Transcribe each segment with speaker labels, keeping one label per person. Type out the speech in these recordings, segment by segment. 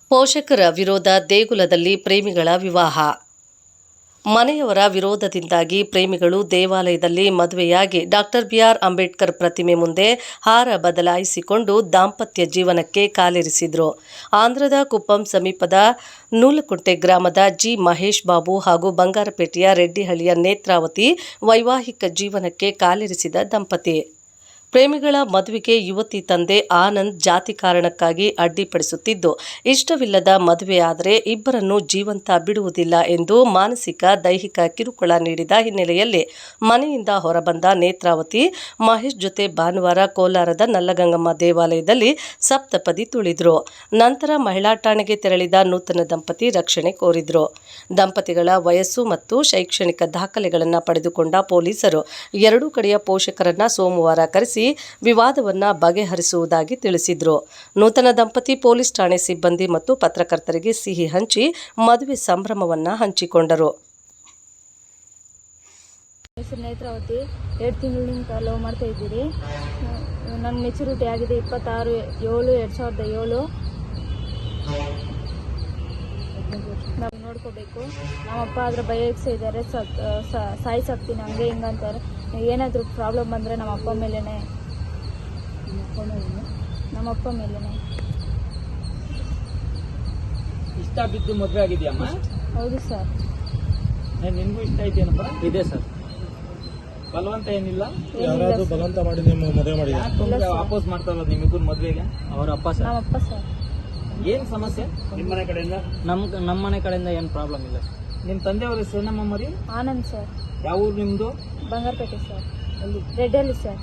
Speaker 1: ಪೋಷಕರ ವಿರೋಧ, ದೇಗುಲದಲ್ಲಿ ಪ್ರೇಮಿಗಳ ವಿವಾಹ. ಮನೆಯವರ ವಿರೋಧದಿಂದಾಗಿ ಪ್ರೇಮಿಗಳು ದೇವಾಲಯದಲ್ಲಿ ಮದುವೆಯಾಗಿ ಡಾಕ್ಟರ್ ಬಿ.ಆರ್. ಅಂಬೇಡ್ಕರ್ ಪ್ರತಿಮೆ ಮುಂದೆ ಹಾರ ಬದಲಾಯಿಸಿಕೊಂಡು ದಾಂಪತ್ಯ ಜೀವನಕ್ಕೆ ಕಾಲಿರಿಸಿದ್ರು. ಆಂಧ್ರದ ಕುಪ್ಪಂ ಸಮೀಪದ ನೂಲಕುಂಟೆ ಗ್ರಾಮದ ಜಿ. ಮಹೇಶ್ ಬಾಬು ಹಾಗೂ ಬಂಗಾರಪೇಟೆಯ ರೆಡ್ಡಿಹಳ್ಳಿಯ ನೇತ್ರಾವತಿ ವೈವಾಹಿಕ ಜೀವನಕ್ಕೆ ಕಾಲಿರಿಸಿದ ದಂಪತಿ. ಪ್ರೇಮಿಗಳ ಮದುವೆಗೆ ಯುವತಿ ತಂದೆ ಆನಂದ್ ಜಾತಿ ಕಾರಣಕ್ಕಾಗಿ ಅಡ್ಡಿಪಡಿಸುತ್ತಿದ್ದು, ಇಷ್ಟವಿಲ್ಲದ ಮದುವೆಯಾದರೆ ಇಬ್ಬರನ್ನು ಜೀವಂತ ಬಿಡುವುದಿಲ್ಲ ಎಂದು ಮಾನಸಿಕ, ದೈಹಿಕ ಕಿರುಕುಳ ನೀಡಿದ ಹಿನ್ನೆಲೆಯಲ್ಲಿ ಮನೆಯಿಂದ ಹೊರಬಂದ ನೇತ್ರಾವತಿ ಮಹೇಶ್ ಜೊತೆ ಭಾನುವಾರ ಕೋಲಾರದ ನಲ್ಲಗಂಗಮ್ಮ ದೇವಾಲಯದಲ್ಲಿ ಸಪ್ತಪದಿ ತುಳಿದ್ರು. ನಂತರ ಮಹಿಳಾ ಠಾಣೆಗೆ ತೆರಳಿದ ನೂತನ ದಂಪತಿ ರಕ್ಷಣೆ ಕೋರಿದ್ರು. ದಂಪತಿಗಳ ವಯಸ್ಸು ಮತ್ತು ಶೈಕ್ಷಣಿಕ ದಾಖಲೆಗಳನ್ನು ಪಡೆದುಕೊಂಡ ಪೊಲೀಸರು ಎರಡೂ ಕಡೆಯ ಪೋಷಕರನ್ನ ಸೋಮವಾರ ಕರೆಸಿ ವಿವಾದವನ್ನ ಬಗೆಹರಿಸುವುದಾಗಿ ತಿಳಿಸಿದ್ರು. ನೂತನ ದಂಪತಿ ಪೊಲೀಸ್ ಠಾಣೆ ಸಿಬ್ಬಂದಿ ಮತ್ತು ಪತ್ರಕರ್ತರಿಗೆ ಸಿಹಿ ಹಂಚಿ ಮದುವೆ ಸಂಭ್ರಮವನ್ನ ಹಂಚಿಕೊಂಡರು.
Speaker 2: ಹೆಸರು ನೇತ್ರಾವತಿ. 2 ತಿಂಗಳಿಂದ ಲವ್ ಮಾಡ್ತಾ ಇದ್ದೀರಿ. ನನ್ನ ಮೆಚುರಿಟಿ ಆಗಿದೆ 26/7/2007. ನಾವು ನೋಡ್ಕೋಬೇಕು. ನಮ್ಮಪ್ಪ ಆದ್ರೆ ಬಯಸ್ತಾ ಇದ್ದಾರೆ, ಸಾಯಿಸಾಕ್ತೀನಿ ಹಂಗೆ ಹಿಂಗೆ ಅಂತಾರೆ. ಏನಾದರೂ ಪ್ರಾಬ್ಲಮ್ ಬಂದರೆ ನಮ್ಮಪ್ಪ ಮೇಲೇ.
Speaker 3: ಇಷ್ಟ ಬಿದ್ದು ಮದುವೆ ಆಗಿದೆಯಮ್ಮ?
Speaker 2: ಹೌದು ಸರ್.
Speaker 3: ನಿನ್ಗೂ ಇಷ್ಟ ಇದೆಯೇನಪ್ಪ? ಇದೆ ಸರ್. ಬಲವಂತ ಏನಿಲ್ಲ?
Speaker 4: ಯಾರಾದ್ರೂ ಬಲವಂತ ಮಾಡಿ ನಿಮ್ಮ ಮದುವೆ ಮಾಡಿದ್ರೆ
Speaker 3: ವಾಪಸ್ ಮಾಡ್ತಾರ ನಿಮ್ಮಿಬ್ಬರು ಮದುವೆಗೆ? ಅವರ ಅಪ್ಪ ಸರ್.
Speaker 2: ನಮ್ಮಪ್ಪ ಸರ್.
Speaker 3: ಏನ್ ಸಮಸ್ಯೆ ನಿಮ್ಮ ಮನೆ ಕಡೆಯಿಂದ? ನಮ್ಮ ಮನೆ ಕಡೆಯಿಂದ ಏನು ಪ್ರಾಬ್ಲಮ್ ಇಲ್ಲ. ನಿಮ್ಮ ತಂದೆಯವ್ರ ಹೆಸರು ಏನಮ್ಮ ಮರಿ?
Speaker 2: ಆನಂದ್ ಸರ್.
Speaker 3: ಯಾವ ಊರು ನಿಮ್ದು?
Speaker 2: ಬಂಗಾರಪೇಟೆ ಸರ್. ರೆಡ್ಡಿಹಳ್ಳಿ ಸರ್.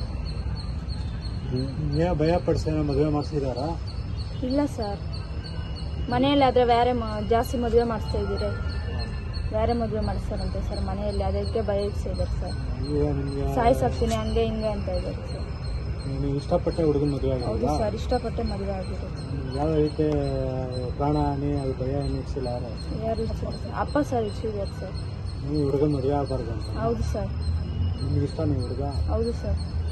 Speaker 4: ಭಯ ಪಡಿಸಿ ಮದುವೆ ಮಾಡಿಸಿದಾರಾ?
Speaker 2: ಇಲ್ಲ ಸರ್, ಮನೆಯಲ್ಲಿ ಆದರೆ ಬೇರೆ ಜಾಸ್ತಿ ಮದುವೆ ಮಾಡಿಸ್ತಾ ಇದ್ದೀರಿ. ಬೇರೆ ಮದುವೆ ಮಾಡಿಸ್ತಾರಂತೆ ಸರ್ ಮನೆಯಲ್ಲಿ, ಅದಕ್ಕೆ ಭಯ ಇದ್ದಾರೆ ಸರ್. ಸಾಯಿಸಾಕ್ತೀನಿ ಹಂಗೆ ಹಿಂಗೆ ಅಂತ ಇದ್ದಾರೆ ಸರ್.
Speaker 4: ನೀವು ಇಷ್ಟಪಟ್ಟೆ ಹುಡುಗನ ಮದುವೆ ಆಗಿದೆ?
Speaker 2: ಹೌದು ಸರ್, ಇಷ್ಟಪಟ್ಟೆ ಮದುವೆ ಆಗಿದೆ.
Speaker 4: ಯಾವ ರೀತಿ ಪ್ರಾಣ ಹಾನಿ ಅದು ಭಯ ಏನು ಇರಿಸಿಲ್ಲ?
Speaker 2: ಯಾರು ಅಪ್ಪ ಸರ್ ಇರಿಸಿದ್ದಾರೆ ಸರ್.
Speaker 4: ನೀವು ಹುಡುಗನ ಮದುವೆ ಆಗಬಾರ್ದು ಅಂತ?
Speaker 2: ಹೌದು ಸರ್.
Speaker 4: ನಿಮ್ಗೆ ಇಷ್ಟ ನೀವು ಹುಡುಗ?
Speaker 2: ಹೌದು ಸರ್.